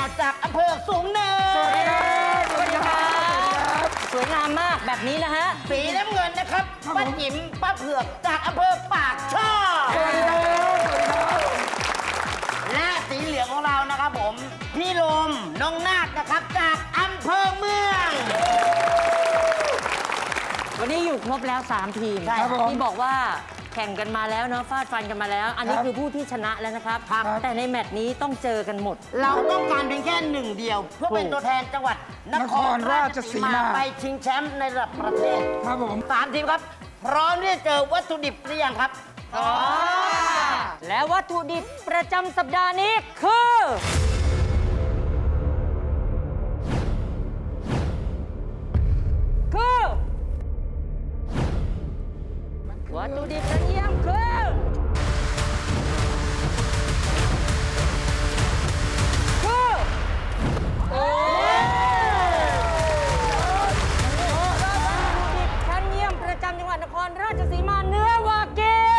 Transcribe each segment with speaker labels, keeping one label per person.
Speaker 1: จากอำเภอสูงเนิน
Speaker 2: สวัสดีครับ
Speaker 3: สวัสดีครับ สวยงามมากแบบนี้นะฮะ
Speaker 1: สีน้ำเงินนะครับป้าจิ๋มป้าเผือกจากอำเภอปากช่อ
Speaker 2: สวัสดีครับสวัสดีครับ
Speaker 1: และสีเหลืองของเรานะครับผมพี่ลมน้องนาคนะครับจากอำเภอเมือง
Speaker 3: วันนี้อยู่ครบแล้ว 3 ทีม
Speaker 1: ใช่ครับผม
Speaker 3: ที่บอกว่าแข่งกันมาแล้วเนาะฟาดฟันกันมาแล้ว อันนี้
Speaker 2: ครับ
Speaker 3: คือผู้ที่ชนะแล้วนะครับ
Speaker 2: ครับ
Speaker 3: แต่ในแมตช์นี้ต้องเจอกันหมด
Speaker 1: เราต้องการเพียงแค่หนึ่งเดียว เพื่อเป็นตัวแทนจังหวัดนครราชสีมาไปชิงแชมป์ในระดับประเทศ
Speaker 2: ครับผม
Speaker 1: 3 ทีมครับ พร้อมที่จะเจอวัตถุดิบหรือยังครับ
Speaker 3: และวัตถุดิบประจำสัปดาห์นี้คือ วัตถุดิบกระเทียมคือโอ้วัตถุดิบชั้นเยี่ยมประจำจังหวัดนครราชสีมาเนื้อวากิว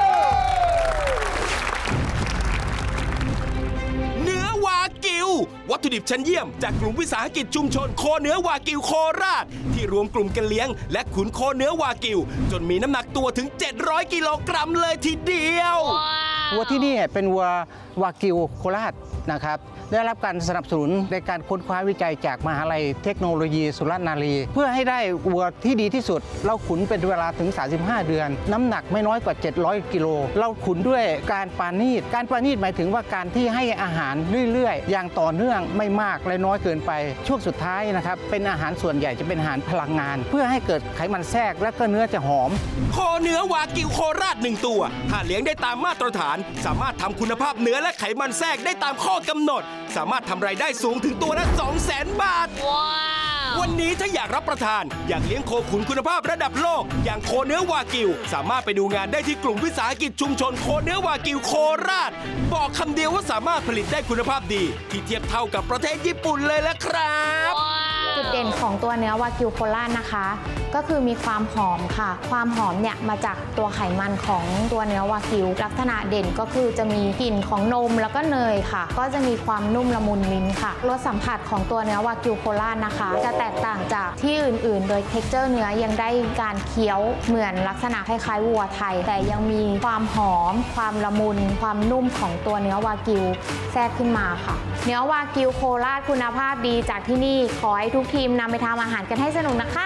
Speaker 4: เนื้อวากิว วัตถุดิบชั้นเยี่ยมจากกลุ่มวิสาหกิจชุมชนโคเนื้อวากิวโคราช ที่รวมกลุ่มกันเลี้ยง และขุนโคเนื้อวากิว จนมีน้ำหนักตัวถึง 700 กิโลกรัมเลยทีเดียว
Speaker 5: วัวที่นี่เป็นวัววากิวโคราชนะครับได้รับการสนับสนุนในการค้นคว้าวิจัยจากมหาลัยเทคโนโลยีสุรนารี เพื่อให้ได้วัวที่ดีที่สุด เราขุนเป็นเวลาถึง 35 เดือน น้ำหนักไม่น้อยกว่า 700 กิโลเราขุนด้วยการปานีตการปานีตหมายถึงว่าการที่ให้อาหารเรื่อยๆ อย่างต่อเนื่องไม่มากและน้อยเกินไป ช่วงสุดท้ายนะครับเป็นอาหารส่วนใหญ่จะเป็นอาหารพลังงาน เพื่อให้เกิดไขมันแทรกและก็เนื้อจะหอม
Speaker 4: โคเนื้อวากิวโคราช1ตัวถ้าเลี้ยงได้ตามมาตรฐาน สามารถทำคุณภาพเนื้อและไขมันแทรกได้ตามข้อกำหนด สามารถทำรายได้สูงถึงตัวละ 200,000 บาท วันนี้ถ้าอยากรับประทาน อยากเลี้ยงโคขุนคุณภาพระดับโลก อย่างโคเนื้อวากิว สามารถไปดูงานได้ที่กลุ่มวิสาหกิจชุมชนโคเนื้อวากิวโคราช บอกคำเดียวว่าสามารถผลิตได้คุณภาพดี ที่เทียบเท่ากับประเทศญี่ปุ่นเลยละครับ
Speaker 6: จุดเด่นของตัวเนื้อวากิวโคราชนะคะ ก็คือมีความหอมค่ะ ความหอมเนี่ยมาจากตัวไขมันของตัวเนื้อวากิว ลักษณะเด่นก็คือจะมีกลิ่นของนมแล้วก็เนยค่ะ ก็จะมีความนุ่มละมุนลิ้นค่ะรสสัมผัสของตัวเนื้อวากิวโคราชนะคะ จะแตกต่างจากที่อื่นๆ โดยเท็กเจอร์เนื้อยังได้การเคี้ยวเหมือนลักษณะคล้ายๆวัวไทย แต่ยังมีความหอม ความละมุน ความนุ่มของตัวเนื้อวากิวแทรกขึ้นมาค่ะ เนื้อวากิวโคราชคุณภาพดีจากที่นี่ขอให้ทุกทีมนำไปทำอาหารกันให้สนุกนะคะ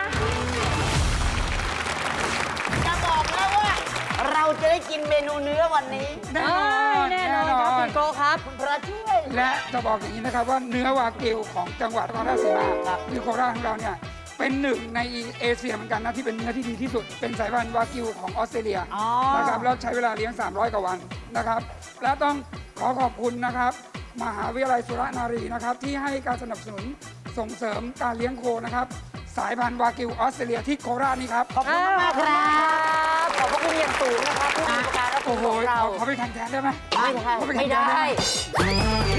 Speaker 1: จะบอกแล้วว่า เราจะได้กินเมนูเนื้อวันนี้
Speaker 2: แน่นอน
Speaker 3: แน่นอนครับคุณโกครับ
Speaker 1: คุณพระช่วย
Speaker 2: และจะบอกอย่างนี้นะครับว่าเนื้อวากิวของจังหวัดนครราชสีมาคือโคราชของเราเนี่ยเป็นหนึ่งในเอเชียเหมือนกันนะที่เป็นเนื้อที่ดีที่สุด เป็นสายพันธุ์วากิวของออสเตรเลียนะครับแล้วใช้เวลาเลี้ยง 300 กว่าวันนะครับ และต้องขอขอบคุณนะครับ มหาวิทยาลัยสุรนารีนะครับที่ให้การสนับสนุนส่งเสริมการเลี้ยงโคนะครับสายพันธุ์วากิวออสเตรเลียที่โคราชนี่ครับ
Speaker 1: ขอบคุณมากๆครับ
Speaker 3: ขอบพระคุณอย่างสูงนะครับผู้มีการรับช
Speaker 2: โอ้
Speaker 3: ม
Speaker 2: โห
Speaker 3: ของเรา
Speaker 2: ขอไปแทนได้ไหม
Speaker 3: ไม่ได้
Speaker 2: ขอปแทน
Speaker 3: ไม่
Speaker 2: แทน
Speaker 3: ได้